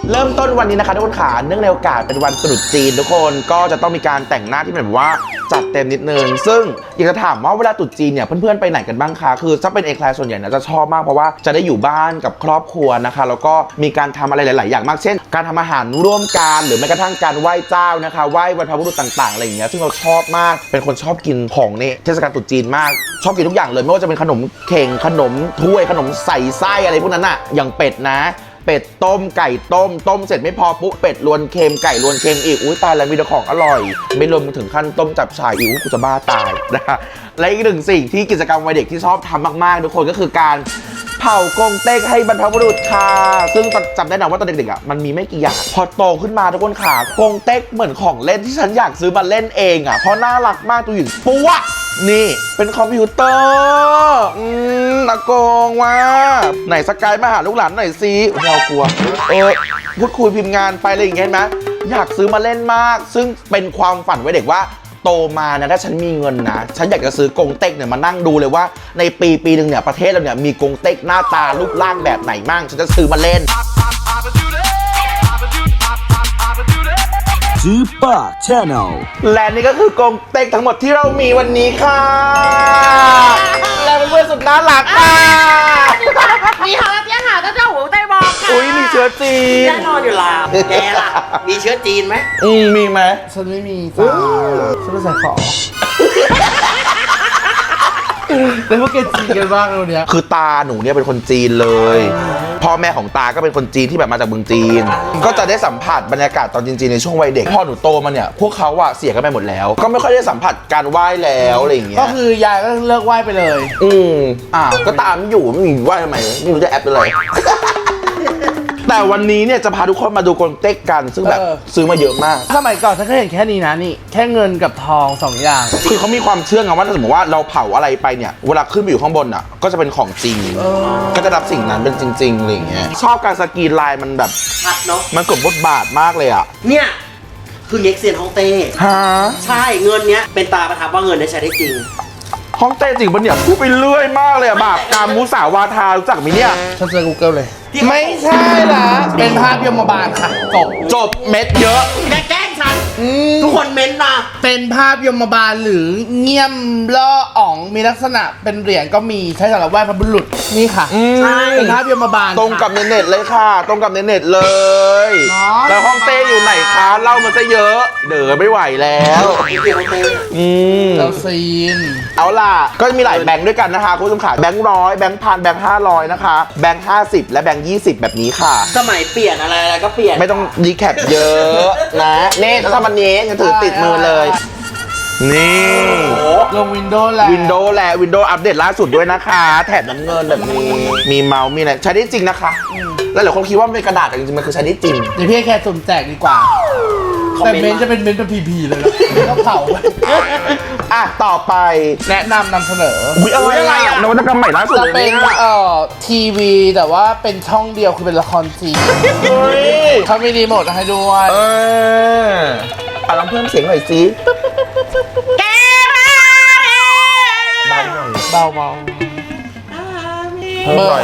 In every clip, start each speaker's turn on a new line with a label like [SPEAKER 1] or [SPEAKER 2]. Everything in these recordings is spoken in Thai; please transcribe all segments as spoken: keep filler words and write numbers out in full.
[SPEAKER 1] เริ่มต้นวันนี้นะคะทุกคนขาเนื่องในโอกาสเป็นวันตรุษจีนทุกคนก็จะต้องมีการแต่งหน้าที่แบบว่าจัดเต็มนิดนึงซึ่งอยากจะถามว่าเวลาตรุษจีนเนี่ยเพื่อนๆไปไหนกันบ้างคะคือถ้าเป็นเอแคลร์ส่วนใหญ่นะจะชอบมากเพราะว่าจะได้อยู่บ้านกับครอบครัวนะคะแล้วก็มีการทำอะไรหลายๆอย่างมากเช่นการทำอาหารร่วมกันหรือแม้กระทั่งการไหว้เจ้านะคะไหว้บรรพบุรุษต่างๆอะไรอย่างเงี้ยซึ่งเราชอบมากเป็นคนชอบกินของในเทศกาลตรุษจีนมากชอบกินทุกอย่างเลยไม่ว่าจะเป็นขนมเข่งขนมถ้วยขนมใส่ไส้อะไรพวกนั้นอะอย่างเป็ดนะเป็ดต้มไก่ต้มต้มเสร็จไม่พอปุ๊บเป็ดรวนเค็มไก่รวนเค็มอีกอุ้ยตายแล้วมีแต่ของอร่อยไม่รวมถึงขั้นต้มจับฉ่ายอีกกูจะบ้าตายนะและอีกหนึ่งสิ่งที่กิจกรรมวัยเด็กที่ชอบทำมากๆทุกคนก็คือการเผากงเต็กให้บรรพบุรุษค่ะซึ่งจำได้นะว่าตอนเด็กๆอ่ะมันมีไม่กี่อย่างพอโตขึ้นมาทุกคนค่ะกงเต็กเหมือนของเล่นที่ฉันอยากซื้อมาเล่นเองอ่ะเพราะน่ารักมากตัวหญิงปุ๊วนี่เป็นคอมพิวเตอร์อืมอากงว่าไหนสกายมาหาลูกหลานหน่อยสิเรากลัวเออพูดคุยพิมพ์งานไปอะไรอย่างเงี้ยไหมอยากซื้อมาเล่นมากซึ่งเป็นความฝันไว้เด็กว่าโตมานะถ้าฉันมีเงินนะฉันอยากจะซื้อกงเต็กเนี่ยมานั่งดูเลยว่าในปีปีหนึ่งเนี่ยประเทศเราเนี่ยมีกงเต็กหน้าตารูปร่างแบบไหนมั่งฉันจะซื้อมาเล่น
[SPEAKER 2] ซูเปอร์ชาแนล
[SPEAKER 1] และนี่ก็คือกงเต็กทั้งหมดที่เรามีวันนี้ค่ะและเพื่อนๆสุดน่ารักค่ะ
[SPEAKER 3] มี好了，点好的叫我对不？
[SPEAKER 1] อุ้ยมีเชื้อจีน
[SPEAKER 3] แน่นอนอยู่แล้วแกล่ะมีเชื้อจีนไหม
[SPEAKER 1] อืมมีไหม
[SPEAKER 4] ฉันไม่มีจ้าฉันไม่ใส่ของแล้วพวกแกจีนกันบ้างเราเนี้ย
[SPEAKER 1] คือตาหนูเนี่ยเป็นคนจีนเลยพ่อแม่ของตาก็เป็นคนจีนที่แบบมาจากเมืองจีนก็จะได้สัมผัสบรรยากาศตอนจีนๆในช่วงวัยเด็กพอหนูโตมาเนี่ยพวกเขาอะเสียกันไปหมดแล้วก็ไม่ค่อยได้สัมผัสการไหว้แล้วอะไรอย่างเงี้ย
[SPEAKER 4] ก็คือยายก็เลิกไหว้ไปเลย
[SPEAKER 1] อืมอ่าก็ตามไม่อยู่ไม่มีไหว้ทำไมไม่รู้จะแอปอะไรแต่วันนี้เนี่ยจะพาทุกคนมาดูกงเต็กกันซึ่งแบบซื้อมาเยอะมาก
[SPEAKER 4] สมัยก่อนฉันเคยเห็นแค่นี้นะนี่แค่เงินกับทองสองอย่าง
[SPEAKER 1] คือเขามีความเชื่อไงว่าถ้าสมมติว่าเราเผาอะไรไปเนี่ยเวลาขึ้นไปอยู่ข้างบนอ่ะก็จะเป็นของจริงก็จะรับสิ่งนั้นเป็นจริงๆอะไรอย่างเงี้ยชอบการสกรีนลายมันแบบ
[SPEAKER 3] ชัดเนาะ
[SPEAKER 1] มันกดบทบาทมากเลยอ่ะ
[SPEAKER 3] เนี่ยคือเน็กเซียนฮ่องเต้
[SPEAKER 1] ฮะ
[SPEAKER 3] ใช่เงินเนี้ยเป็นตาประทับว่าเงินได้ใช้ได้จริง
[SPEAKER 1] ฮ่องเต้จริงปะเนี่ยพูดไปเรื่อยมากเลยอะบาปกรรมมุสาวาทารู้จักไหมเนี่ย
[SPEAKER 4] ฉันเจอ Google เลยไม่ใช่ละเป็นภาพยมบาลค่ะจบ
[SPEAKER 1] จบเม็ดเยอะ
[SPEAKER 3] แกแกล้งฉันทุกคนเม้นมา
[SPEAKER 4] เป็นภาพยมบาลหรือเงี่ยมล่ออ่องมีลักษณะเป็นเหรียญก็มีใช้สำหรับไหว้พระบุรุษนี่ค่ะ
[SPEAKER 1] ใช่
[SPEAKER 4] เป็นภาพยมบาล
[SPEAKER 1] ตรงกับในเน็ตเลยค่ะตรงกับในเน็ตเลยแล้วฮ่องเต้อยู่ไหนคะเล่ามาซะเยอะเด๋อไม่ไหวแล้วอืม
[SPEAKER 4] เราซีน
[SPEAKER 1] เอาล่ะก็จะมีหลายแบงค์ด้วยกันนะคะคุณผู้ชมขาแบงค์ร้อยแบงค์พันแบงค์ห้าร้อยนะคะแบงค์ห้าสิบและแบงค์ยี่สิบแบบนี้ค่ะ
[SPEAKER 3] สมัยเปลี่ยนอะไรอะไรก็เปลี่ยน
[SPEAKER 1] ไม่ต้องรีแคปเยอะนะนี่ถ้าทำวันนี้จะถือติดมือเลยนี่
[SPEAKER 4] ลงวินโดว์แล้ว
[SPEAKER 1] วินโดว์แล้ววินโดว์อัปเดตล่าสุดด้วยนะคะแถบน้ำเงินแบบนี้มีเมาส์มีอะไรใช้ได้จริงนะคะแล้วหลายคนคิดว่าเป็นกระดาษแต่จริงๆมันคือใช้ได้จริง
[SPEAKER 4] เดี๋ยวพี่แค่สุ่มแจกดีกว่าแต่เมนจะเป็นเมนเป็นพีพีเลยแล้วเผา
[SPEAKER 1] อ่ะต่อไป
[SPEAKER 4] แนะนำนำเสนอ
[SPEAKER 1] อุ้ยอะไรอ่ะนวัตกรรมใหม่ล่าสุด
[SPEAKER 4] จะเป็นเอ่อทีวีแต่ว่าเป็นช่องเดียวคือเป็นละครจีนเขามีรีโมทให้ด้วย
[SPEAKER 1] เอออ่ะลองเพิ่มเสียงหน่อยสิ
[SPEAKER 3] แก
[SPEAKER 4] เบาเบา
[SPEAKER 1] เพิ่มหน่อย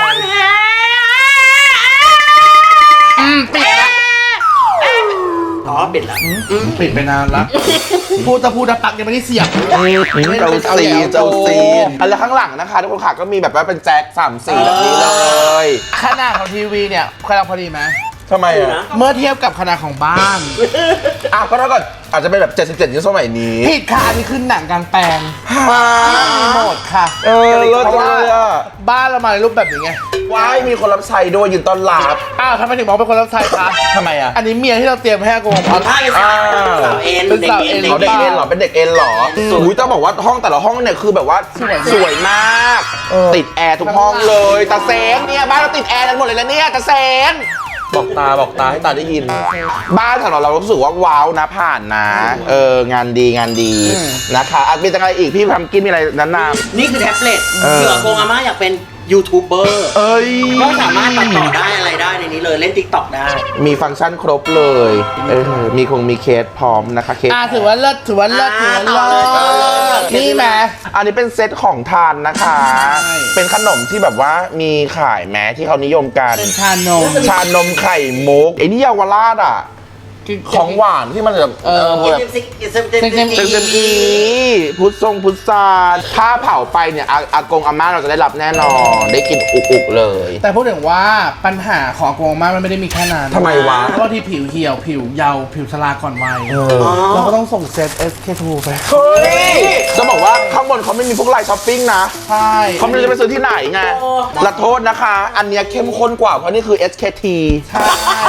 [SPEAKER 4] อืมปิดละ
[SPEAKER 3] อ๋อปิดละ
[SPEAKER 4] ปิดไปนานละพูดจะพูดจะปักยังไม่ได้เสียบ
[SPEAKER 1] เจ้าซีเจ้าซีอันแล้วข้างหลังนะคะทุกคนค่ะก็มีแบบว่าเป็นแจ็คสามสีแบบนี้เลย
[SPEAKER 4] ขนาดของทีวีเนี่ยกำลังพอดีไหม
[SPEAKER 1] ทำไมอ่ะ
[SPEAKER 4] เมื่อเทียบกับขนาดของบ้าน
[SPEAKER 1] อ่ะก็เท่ากับอาจจะเป็นแบบเจ็ดสิบเจ็ดนิ้วสมัยนี้
[SPEAKER 4] ผิดค่ะอันนี้คือหนังกลางแปลงรีโมทค่ะ
[SPEAKER 1] เออเลิศเลยอ่ะ
[SPEAKER 4] บ้านเรามาในรูปแบบนี้ไง
[SPEAKER 1] ว้ายมีคนรับใช้ด้วยยืนต้อนรับ
[SPEAKER 4] อ้าวทำไมถึงบอกเป็นคนรับใช้คะ
[SPEAKER 1] ทำไมอ่ะ
[SPEAKER 4] อันนี้เมียที่เราเตรียมให้อากง
[SPEAKER 3] อ๋อใช่สาวเอ็น
[SPEAKER 4] เป็นสาวเอ็น
[SPEAKER 1] เขาเด็กเอ็นหรอเป็นเด็กเอ็นหรออุ้ยต้องบอกว่าห้องแต่ละห้องเนี่ยคือแบบว่าสวยมากติดแอร์ทุกห้องเลยตาเซนเนี่ยบ้านเราติดแอร์กันหมดเลยแล้วเนี่ยตาเซนบอกตาบอกตาให้ตาได้ยินบ้านของเราเรารู้สึกว่าว้าวนะผ่านนะเอองานดีงานดีนะคะอ่ะมีอะไรอีกพี่ทำกินมีอะไรนั้นนำ
[SPEAKER 3] นี่คือแท็บเล็ตเผื่อโกงอาม่าอยากเป็นยูทูบเบอร์
[SPEAKER 1] เอ้ย
[SPEAKER 3] ก็สามารถตัดต่อได้อะไรได้ในนี้เลยเล่น ติ๊กต็อก ได้
[SPEAKER 1] มีฟังก์ชันครบเลยเออมีคงมีเคสพร้อมนะคะเคส
[SPEAKER 4] อ่าถือว่าเลิศถือว่าเลิศถือว่าเลิศนี่แหม
[SPEAKER 1] อันนี้เป็นเซตของทานนะคะ
[SPEAKER 4] ใช่
[SPEAKER 1] เป็นขนมที่แบบว่ามีขายแม้ที่เขานิยมกัน
[SPEAKER 4] เป็นชานม
[SPEAKER 1] ชานมไข่มุกไอ้นี่เยาวราชอ่ะ ของหวานที่มันแบบ
[SPEAKER 4] เออ
[SPEAKER 3] เอ็มซิกเอ็มซิก
[SPEAKER 4] เซ็งๆ
[SPEAKER 1] เต็มอีพุทธทรงพุทธาถ้าเผาไปเนี่ยอาอากงอาม่าเราจะได้รับแน่นอน ได้กินอุกๆเลย
[SPEAKER 4] แต่พูดถึงว่าปัญหาของอากงอาม่ามันไม่ได้มีแค่นั้น
[SPEAKER 1] ทำไมวะ
[SPEAKER 4] เพราะว่าที่ผิวเหี่ยวผิวเยาว์ผิวชราก่อนวัย
[SPEAKER 1] เออ
[SPEAKER 4] เราก็ต้องส่งเซต เอส เค ทู ไป
[SPEAKER 1] เฮ้ยจะบอกว่าข้างบนเขาไม่มีพวกไลน์ช้อปปิ้งนะ
[SPEAKER 4] ใช่
[SPEAKER 1] เขาไม่รู้จะไปซื้อที่ไหนไงละโทษนะคะ อันเนี้ยเข้มข้นกว่าเพราะนี่คือ เอส เค ที
[SPEAKER 4] ใช่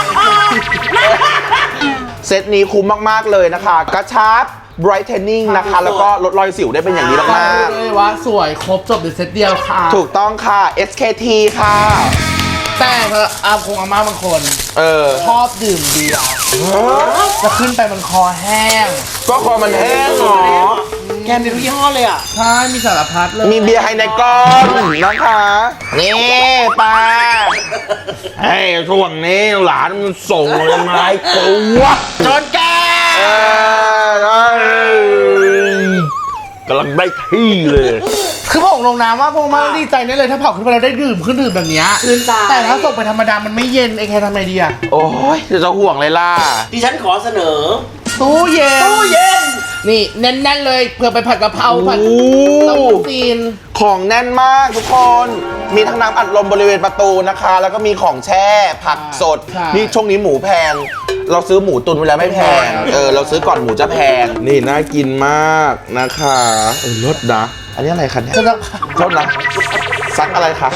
[SPEAKER 1] เซตนี้คุ้มมาก ๆ เลยนะคะ กระชับ brightening นะคะ แล้วก็ลดรอยสิวได้เป็นอย่างดี
[SPEAKER 4] ก็
[SPEAKER 1] มาก
[SPEAKER 4] พูดเลยว่าสวยครบจบในเซตเดียวค่ะ
[SPEAKER 1] ๆถูกต้องค่ะ เอส เค ที ค่ะ
[SPEAKER 4] แต่อากงอาม่าบางคน
[SPEAKER 1] เออ
[SPEAKER 4] ชอบดื่มเบียร์จะขึ้นไปมันคอแห้ง
[SPEAKER 1] ก็คอมันแห้งเหรอ
[SPEAKER 3] แกมีทุกยี่ห้อเลยอ่ะ
[SPEAKER 4] ใช่มีสารพัดเลย
[SPEAKER 1] มีเบียร์ไฮในก้อนนะคะ นี่ปลาเฮ้ยช่วงนี้หลานมันส่งเลยไม้กูวะ
[SPEAKER 3] จนแก
[SPEAKER 1] เออกำลังได้ที่เลย
[SPEAKER 4] คือบอกลงน้ำว่าพวกมาดีใจแน่เลยถ้าเผาขึ้นไปเราได้ดื่มขึ้นดื่มแบบเนี้ย
[SPEAKER 3] ชื่นใจ
[SPEAKER 4] แต่ถ้าส่งไปธรรมดามันไม่เย็นไอ้แค่ทำไงดีอะ
[SPEAKER 1] โอ้ยเดี๋ยวจะห่วงเลยล่ะ
[SPEAKER 3] ดิฉันขอเสนอ
[SPEAKER 4] ตู้เย็น
[SPEAKER 3] ตู้เย็น
[SPEAKER 4] นี่แน่นๆเลยเผื่อไปผัดกะเพราผัด
[SPEAKER 1] โอ้
[SPEAKER 4] ต้มจีน
[SPEAKER 1] ของแน่นมากทุกคน มีทั้งน้ำอัดลมบริเวณประตูนะคะ แล้วก็มีของแช่ ผักสด
[SPEAKER 4] ใช่
[SPEAKER 1] นี่ช่วงนี้หมูแพง เราซื้อหมูตุนไว้แล้วไม่แพง เออ เราซื้อก่อนหมูจะแพง นี่น่ากินมากนะคะเออรสนะ อันนี้อะไรคะเนี่ย
[SPEAKER 4] ก็ต้อง
[SPEAKER 1] โทษนะซักอะไรคะ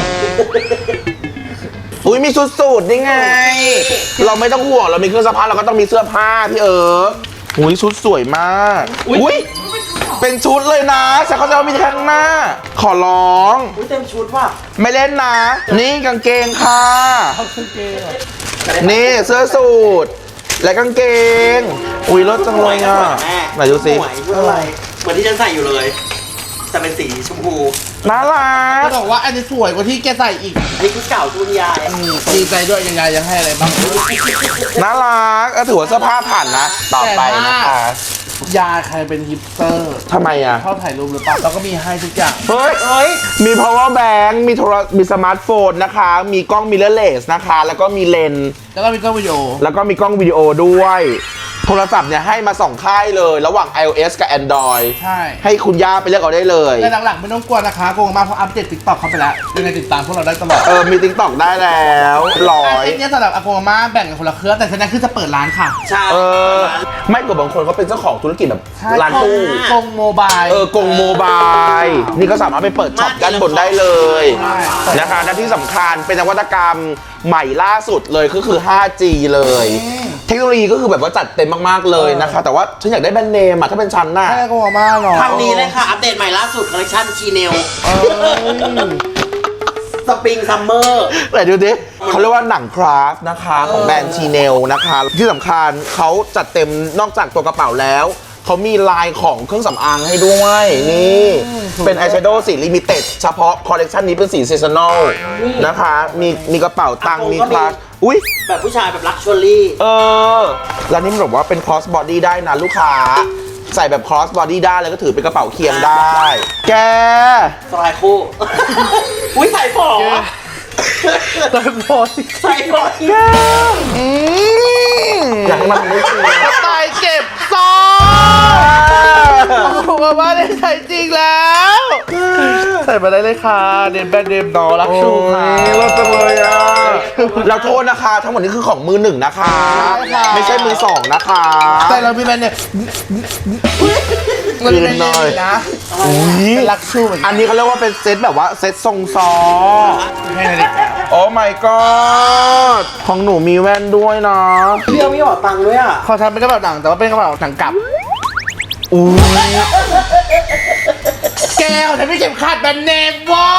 [SPEAKER 1] อุ้ยมีชุดสูทนี่ไง เราไม่ต้องห่วง เรามีเครื่องซักผ้าเราก็ต้องมีเสื้อผ้าพี่เอิร์กอุ้ยชุดสวยมาก อุ้ยเป็นชุดเลยนะแต่เขาจะเอามีแค่ข้างหน้า ขอร้อง
[SPEAKER 3] อุ้ยเต็มชุดว่ะ
[SPEAKER 1] ไม่เล่นนะ นี่กางเกงค่ะ
[SPEAKER 4] เอาเครื่องเกงอะ
[SPEAKER 1] นี่เสื้อสูทและกางเกง อุ้ยรถจังเลยอ่ะ
[SPEAKER 3] แม่
[SPEAKER 1] ไหนดูสิ
[SPEAKER 3] สวยชุดอะไร เหมือนที่ฉันใส่อยู่เลย แต่เป็นสีชมพู
[SPEAKER 1] น่ารัก
[SPEAKER 4] ก็บอกว่าอันนี้สวยกว่าที่แกใส่อีก
[SPEAKER 3] อันนี้คือเก่าชุดยาย
[SPEAKER 4] อืมดีใจด้วยยังไงยังให้อะไรบ้าง
[SPEAKER 1] น่ารักก็ถือว่าเสื้อผ้าผ่านนะ ต่อไปนะคะ
[SPEAKER 4] ยาใครเป็นฮิปสเตอร์
[SPEAKER 1] ทำไมอ่ะ
[SPEAKER 4] ชอบถ่ายรูปหรือเปล่าเราก็มีให้ทุกอย่าง
[SPEAKER 1] เฮ้ย
[SPEAKER 3] เอ้ย
[SPEAKER 1] มี power bank มีโทรมีสมาร์ทโฟนนะคะ มีกล้อง mirrorless นะคะ แล้วก็มีเลนส์
[SPEAKER 4] แล้วก็มีกล้องวิดีโอ
[SPEAKER 1] แล้วก็มีกล้องวิดีโอด้วย โทรศัพท์เนี่ยให้มาสองค่ายเลย ระหว่าง iOS กับ Android
[SPEAKER 4] ใช่
[SPEAKER 1] ให้คุณย่าไปเลือกเอาได้เลย
[SPEAKER 4] แต่หลังๆไม่ต้องกลัวนะคะโกงมาเพราะอัปเดตติ๊กต็อกเข้าไปแล้วยังไงติดตามพวกเราได้ตลอด
[SPEAKER 1] เออ มี TikTok ได้แล้วร้อย
[SPEAKER 4] เส้นเนี้ยสำหรับอากงอาม่าแบ่งกันคนละเครือแต่เส้นนี้คือจะเปิดร้านค่ะ
[SPEAKER 3] ใช่
[SPEAKER 1] เออ ไม่กว่าบางคนเขาเป็นเจ้าของธุรกิจแบบ
[SPEAKER 4] ใช่
[SPEAKER 1] ร้านตู้
[SPEAKER 4] กงโมบาย
[SPEAKER 1] เออกงโมบาย นี่ก็สามารถไปเปิดช็อปด้านบนได้เลย
[SPEAKER 4] ใช่
[SPEAKER 1] นะคะและที่สำคัญเป็นนวัตกรรมใหม่ล่าสุดเลยก็คือ ไฟว์จี เลย เทคโนโลยีก็คือแบบว่าจัดเต็มมากๆเลยนะคะ แต่ว่าฉันอยากได้แบรนด์เนมอะถ้าเป็นฉันน่ะ
[SPEAKER 4] แค่อากงอาม่าเนาะ
[SPEAKER 3] ทางนี้เลยค่ะ อัปเดตใหม่ล่าสุดคอลเลคชันชีเนล
[SPEAKER 4] เออ
[SPEAKER 3] สปริงซัมเมอร์
[SPEAKER 1] ไหนดูดิเขาเรียกว่าหนังคราฟต์นะคะของแบรนด์ชีเนลนะคะ ที่สำคัญเขาจัดเต็มนอกจากตัวกระเป๋าแล้ว เขามีลายของเครื่องสำอางให้ด้วย นี่ เป็นอายแชโดว์สีลิมิเต็ดเฉพาะคอลเลกชันนี้เป็นสีซีซันอลนะคะ มีมีกระเป๋าตังค์มีคลาสอุ้ย
[SPEAKER 3] แบบผู้ชายแบบลักชัวรี่
[SPEAKER 1] เออ แล้วนี่มันบอกว่าเป็น cross body ได้นะลูกค้า ใส่แบบ cross body ได้แล้วก็ถือเป็นกระเป๋าเคียงได้ แก
[SPEAKER 3] สไลด์คู่ อุ้ยใส่ฝอ
[SPEAKER 4] ตอนพอ
[SPEAKER 3] ใส่ฝอ
[SPEAKER 1] อืมอยากให้มันไม่จริง
[SPEAKER 4] กระต่ายเก็บซองบอกว่าได้ใช้จริงแล้ว ใส่มาได้เลยค่ะ เดนแบนเดมนอรักชูค่ะ
[SPEAKER 1] โอ้ยรถจังเลยอ่ะเราโทษนะคะ ทั้งหมดนี้คือของมือหนึ่งนะคะ
[SPEAKER 4] ใช่ค่ะ
[SPEAKER 1] ไม่ใช่มือสองนะคะ
[SPEAKER 4] แต่เรามีแบรนด์เนี่ยมันเป็นแบรนด์เนี่ยนะ
[SPEAKER 1] อุ๊ย
[SPEAKER 4] เป็นรักชูเหมือนกั
[SPEAKER 1] อั
[SPEAKER 4] น
[SPEAKER 1] นนี้เขาเรียกว่าเป็นเซตแบบว่าเซตทรงซอ
[SPEAKER 4] ให้นาฬิกา
[SPEAKER 1] โอ้ my god ของหนูมีแว่นด้วยนะ
[SPEAKER 3] เรียวไม่ออกตังค์ด้วยอ่ะ
[SPEAKER 4] เขาทำเป็นกระเป๋าหนังแต่ว่าเป็นกระเป๋าหนังกลับ
[SPEAKER 1] อุ้ย
[SPEAKER 4] แกเขาทำไม่เข็มขัดแบรนด์เนมวะ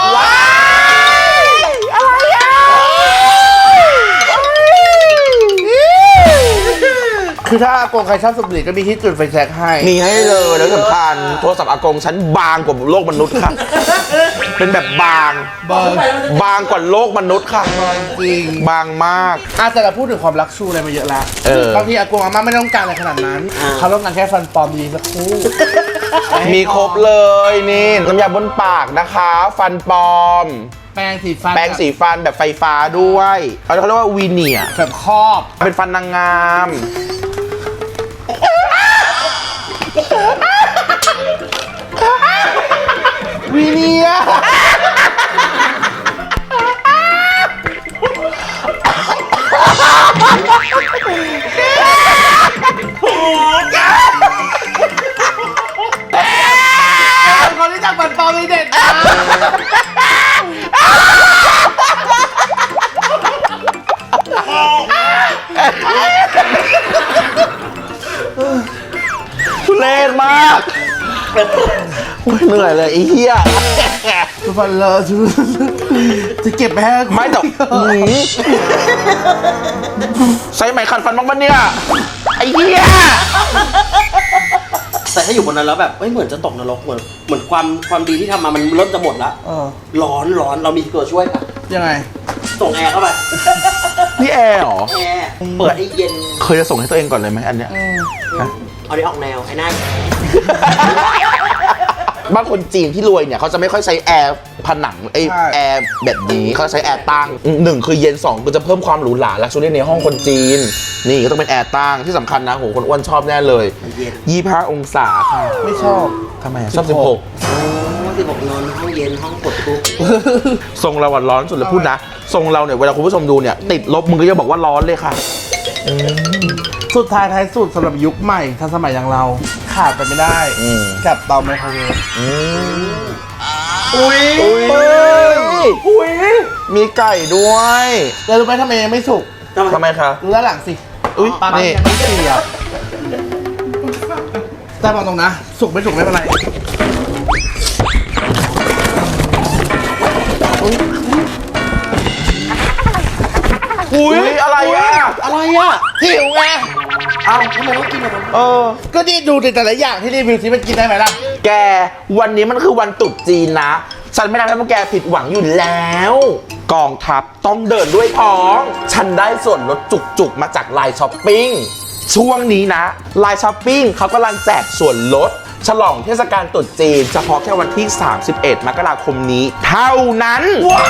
[SPEAKER 1] อะไรอ่ะ
[SPEAKER 4] คือถ้าอากงใครชอบสูบบุหรี่ก็มีที่จุดไฟแช็กให้
[SPEAKER 1] มีให้เลยแล้วสำคัญโทรศัพท์อากงฉันบางกว่าโลกมนุษย์ค่ะ เป็นแบบบาง
[SPEAKER 4] บาง
[SPEAKER 1] บางกว่าโลกมนุษย์ค่ะ
[SPEAKER 4] จริง
[SPEAKER 1] บางมาก
[SPEAKER 4] อาแต่เราพูดถึงความรักชูอะไรมาเยอะแล้ว
[SPEAKER 1] เออ
[SPEAKER 4] บางทีอากงอาม่าไม่ต้องการอะไรขนาดนั้น เขาต้องการแค่ฟันปลอมดีสักคู่
[SPEAKER 1] มีครบเลยนี่น้ำยาบนปากนะคะ ฟันปลอม
[SPEAKER 4] แปรงสีฟัน
[SPEAKER 1] แปรงสีฟันแบบไฟฟ้าด้วยเขาเรียกว่าวีเนียร์
[SPEAKER 4] แบบครอบ
[SPEAKER 1] เป็นฟันนางงาม
[SPEAKER 4] วีเนียร์คนที่จักฟันปลอมมีเด็ดนะ
[SPEAKER 1] ทุเรศมากโอ้ยเหนื่อยเลยไอ้เหี้ย
[SPEAKER 4] ทุกฟันเลอะชุจะเก็บไปให้
[SPEAKER 1] ไม่แต่หืมใช้ไหมขัดฟันบ้างปะเนี่ย ไอ้เหี้ย
[SPEAKER 3] แต่ถ้าอยู่บนนั้นแล้วแบบเอ้ยเหมือนจะตกนรกเหมือนเหมือนความความดีที่ทำมามันเริ่มจะหมดแล้ว
[SPEAKER 4] เออ
[SPEAKER 3] ร้อนร้อนเรามีตัวช่วยค่ะ
[SPEAKER 4] ยังไง
[SPEAKER 3] ส่งแอร์เข้าไป
[SPEAKER 1] นี่แอร์เหรอ
[SPEAKER 3] แอร์เปิดให้เย็น
[SPEAKER 1] เคยจะส่งให้ตัวเองก่อนเลยไหมอันเนี้ย
[SPEAKER 3] เอานี้ออกแนวไอ้นั่น
[SPEAKER 1] บางคนจีนที่รวยเนี่ยเขาจะไม่ค่อยใช้แอร์ผนังไอ
[SPEAKER 4] ใช่
[SPEAKER 1] แอร์แบบนี้เขาใช้แอร์ตั้งหนึ่งคือเย็นสองคือจะเพิ่มความหรูหราและชูรี่ในห้องคนจีน นี่ก็ต้องเป็นแอร์ตั้งที่สำคัญนะโหคนอ้วนชอบแน่เลย
[SPEAKER 3] มันเย็น
[SPEAKER 1] ยี่ห้าองศาค่ะ
[SPEAKER 4] ไม่ชอบ
[SPEAKER 1] ทำไมอะชอบสิบหก
[SPEAKER 3] โอ้ที่บอกนอนห้องเย็นห้องกดปุ๊บ
[SPEAKER 1] ทรงเราอะร้อนสุดเลยพูดนะทรงเราเนี่ยเวลาคุณผู้ชมดูเนี่ยติดลบมึงก็จะบอกว่าร้อนเลยค่ะ
[SPEAKER 4] สุดท้ายท้ายสุดสำหรับยุคใหม่ทันสมัยอย่างเรา ขาดไปไม่ได้
[SPEAKER 1] อืม
[SPEAKER 4] กับเตาไมโครเวฟ
[SPEAKER 1] อืม
[SPEAKER 3] อุ้ย
[SPEAKER 1] อุ้ยอุ้ยมีไก่ด้วย
[SPEAKER 4] แล้วรู้ไหมทำไมยังไม่สุก
[SPEAKER 1] ทำไมคะ
[SPEAKER 4] รู้ด้านหลังสิ
[SPEAKER 1] อุ๊ย
[SPEAKER 4] ปลา
[SPEAKER 1] นี่
[SPEAKER 4] ยังไม่เสียบแต่บอกตรงนะ สุกไม่สุกไม่เป็นไร
[SPEAKER 1] อุ้ยอะไรอ่ะ
[SPEAKER 3] อะไรอ่ะ
[SPEAKER 4] หิวไง
[SPEAKER 1] เอ้า
[SPEAKER 3] ทำไมต้องกินอะไร
[SPEAKER 1] เออ
[SPEAKER 4] ก็นี่ดูแต่ละอย่างที่รีวิวที่มันกินได้ไหมล่ะ
[SPEAKER 1] แกวันนี้มันคือวันตรุษจีนนะ ฉันไม่ทำให้พวกแกผิดหวังอยู่แล้ว กองทัพต้องเดินด้วยท้อง ฉันได้ส่วนลดจุกๆ มาจากไลน์ช้อปปิ้งช่วงนี้นะไลน์ช้อปปิ้งเขากำลังแจกส่วนลด ฉลองเทศกาลตรุษจีนเฉพาะแค่วันที่ สามสิบเอ็ด มกราคมนี้ เท่านั้น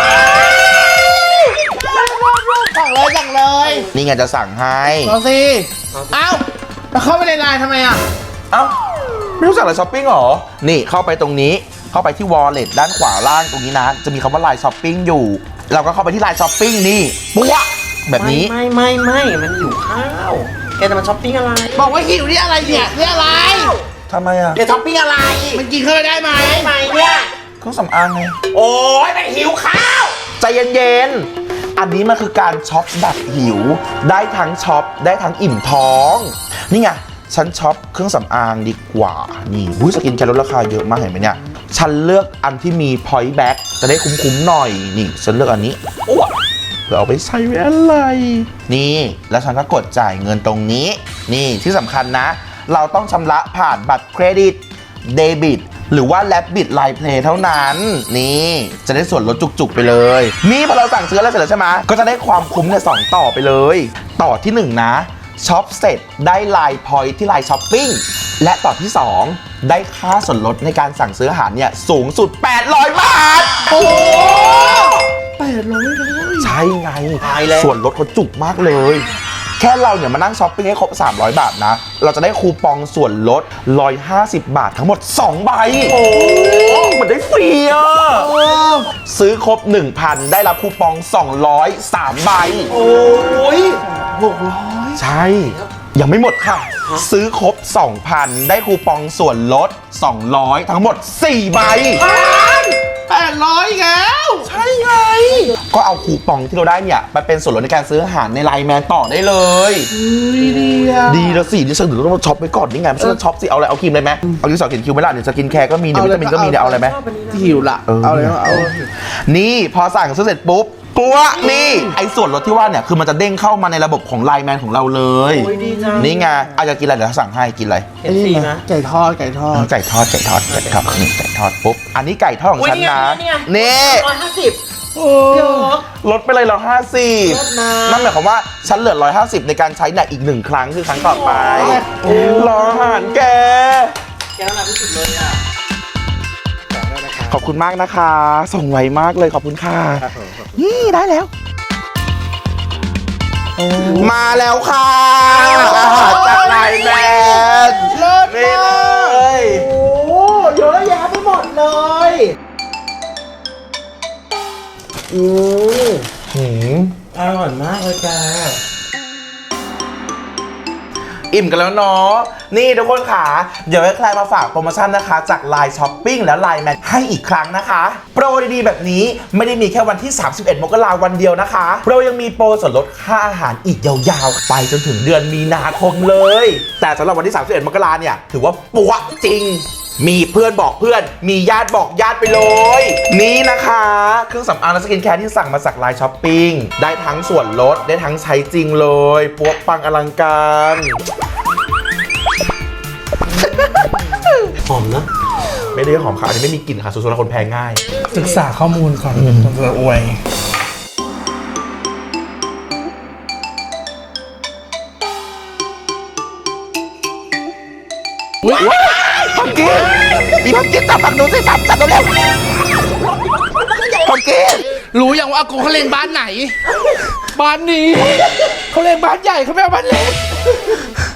[SPEAKER 4] สั่งเลยสั่งเลย
[SPEAKER 1] นี่ไงจะสั่งให้
[SPEAKER 4] เอาสิ เอ้าแล้วเข้าไปในไลน์ทำไมอ่ะ
[SPEAKER 1] เอ้าไม่รู้จักไลน์ช้อปปิ้งเหรอ นี่เข้าไปตรงนี้เข้าไปที่ wallet ด้านขวาล่างตรงนี้นะ จะมีคำว่าไลน์ช้อปปิ้งอยู่ เราก็เข้าไปที่ไลน์ช้อปปิ้งนี่ปุ๊ะแบบนี้
[SPEAKER 3] ไม่ไม่ไม่มันอยู่ข้าวแกจะมาช้อปปิ้งอะไร
[SPEAKER 4] บอกว่าหิวนี่อะไรเนี่ยนี่อะไร
[SPEAKER 1] ทำไมอ่ะ
[SPEAKER 3] แกช้อปปิ้งอะไร
[SPEAKER 4] มันกินเข้าไปได้ไหม
[SPEAKER 3] ทำไมเนี่ย
[SPEAKER 1] เครื่องสำอางไง
[SPEAKER 3] โอ้ยมันหิวข้าว
[SPEAKER 1] ใจเย็นๆ อันนี้มันคือการช็อปแบบหิว ได้ทั้งช็อปได้ทั้งอิ่มท้อง นี่ไง ฉันช็อปเครื่องสำอางดีกว่า นี่วุ้ยสกินแคร์ลดราคาเยอะมากเห็นไหมเนี่ย ฉันเลือกอันที่มี point back จะได้คุ้มๆหน่อย นี่ ฉันเลือกอันนี้อ้วเพื่อเอาไปใช้ไว้อะไร นี่ แล้วฉันก็กดจ่ายเงินตรงนี้ นี่ที่สำคัญนะ เราต้องชำระผ่านบัตรเครดิต เดบิต หรือว่า Rabbit Line Play เท่านั้น นี่จะได้ส่วนลดจุกๆไปเลย นี่พอเราสั่งซื้อแล้วเสร็จแล้วใช่ไหมก็จะได้ความคุ้มเนี่ยสองต่อไปเลย ต่อที่หนึ่งนะช็อปเสร็จได้ Line Point ที่ Line Shopping และต่อที่สองได้ค่าส่วนลดในการสั่งซื้ออาหารเนี่ยสูงสุด แปดร้อย บาท โอ้
[SPEAKER 4] แปดร้อยเลย
[SPEAKER 1] ใช่ไง
[SPEAKER 3] ตายแล้ว
[SPEAKER 1] ส่วนลดเขาจุกมากเลย แค่เราเนี่ยมานั่งช้อปปิ้งให้ครบ สามร้อย บาทนะ เราจะได้คูปองส่วนลด หนึ่งร้อยห้าสิบ บาททั้งหมด สอง ใบ โอ้เหมือนได้ฟรีอ่ะ ซื้อครบ หนึ่งพัน ได้รับคูปอง สองร้อย สาม ใบ
[SPEAKER 3] โอ้ย
[SPEAKER 4] หกร้อย
[SPEAKER 1] ใช่ ยังไม่หมดค่ะ ซื้อครบ สองพัน ได้คูปองส่วนลด สองร้อย ทั้งหมด สี่ ใบ
[SPEAKER 4] แปดร้อยแล้ว
[SPEAKER 1] ใช่ไง ก็เอาคูปองที่เราได้เนี่ยไปเป็นส่วนลดในการซื้ออาหารในไลน์แมนต่อได้เลย
[SPEAKER 4] ดีอ่ะ
[SPEAKER 1] ดีแล้วสิดิฉันถึงต้องมาช็อปไปก่อนนี่ไงไม่ใช่ว่าช็อปสิ เอาอะไร เอาครีมเลยไหมเอาดินสอเขียนคิ้วไหมล่ะเดี๋ยวสกินแคร์ก็มีเดี๋ยววิตามินก็มีเดี๋ยวเอาอะไรไหม
[SPEAKER 4] หิวละ
[SPEAKER 1] เออ
[SPEAKER 4] เอาเลยเอา
[SPEAKER 1] นี่พอสั่งซื้อเสร็จปุ๊บ กปัวนี่ไอ้ส่วนลดที่ว่าเนี่ยคือมันจะเด้งเข้ามาในระบบของไลน์แมนของเราเลย
[SPEAKER 3] โอ้ยดีจัง
[SPEAKER 1] นี่ไงอาจจะกินอะไรเดี๋ยวสั่งให้กินอะไร
[SPEAKER 3] เห็นสีไหม
[SPEAKER 4] ไก่ทอดไก่ทอด
[SPEAKER 1] ไก่ทอดไก่ทอดไก่ทอดนี่ไก่ทอดปุ๊บอันนี้ไก่ทอดของฉันนะนี่
[SPEAKER 3] ร้อยห้าสิบ
[SPEAKER 4] โอ้
[SPEAKER 3] เดี๋ยว
[SPEAKER 1] ลดไปเลยร้อยห้าสิบ
[SPEAKER 3] ลดนะ
[SPEAKER 1] นั่นหมายความว่าฉันเหลือร้อยห้าสิบในการใช้เนี่ยอีกหนึ่งครั้งคือครั้งต่อไปรออาหารแก
[SPEAKER 3] แกน้ำหนักที่สุดเลยอ่ะ
[SPEAKER 1] ขอบคุณมากนะคะ ส่งไวมากเลยขอบคุณค่ะนี่ได้แล้ว มาแล้วค่ะอาหารจากไลน์แมน
[SPEAKER 4] เลิศ
[SPEAKER 1] นี่
[SPEAKER 4] มาก
[SPEAKER 1] เลย
[SPEAKER 3] โอ้เยอะแยะไปหมดเลยอืม
[SPEAKER 1] หืม
[SPEAKER 3] อร่อยมากเลยแก
[SPEAKER 1] อิ่มกันแล้วเนาะนี่ทุกคนค่ะเดี๋ยวให้ใครมาฝากโปรโมชั่นนะคะ จากไลน์ช้อปปิ้งและไลน์แมนให้อีกครั้งนะคะโปรดีๆแบบนี้ไม่ได้มีแค่วันที่ สามสิบเอ็ด มกราคมวันเดียวนะคะเรายังมีโปรส่วนลดค่าอาหารอีกยาวๆไปจนถึงเดือนมีนาคมเลย แต่สำหรับวันที่ สามสิบเอ็ด มกราคมเนี่ยถือว่าปัวจริง มีเพื่อนบอกเพื่อนมีญาติบอกญาติไปเลย นี่นะคะเครื่องสำอางและสกินแคร์ที่สั่งมาจากไลน์ช้อปปิ้งได้ทั้งส่วนลดได้ทั้งใช้จริงเลยปัวปังอลังการ
[SPEAKER 3] หอมนะ
[SPEAKER 1] ไม่ได้หอมค่ะอันนี้ไม่มีกลิ่นค่ะส่วนๆแล้วคนแพ้ง่าย
[SPEAKER 4] ศึกษาข้อมูลก่อนจะอวย
[SPEAKER 1] ว้ายพัมกินมีพัมกินจับฝั่งนู้นสิจับจับเร็วๆพัมกิน
[SPEAKER 4] รู้อย่างว่าอากูเขาเล่นบ้านไหน บ้านนี้เขาเล่นบ้านใหญ่เขาไม่เอาบ้านเล็ก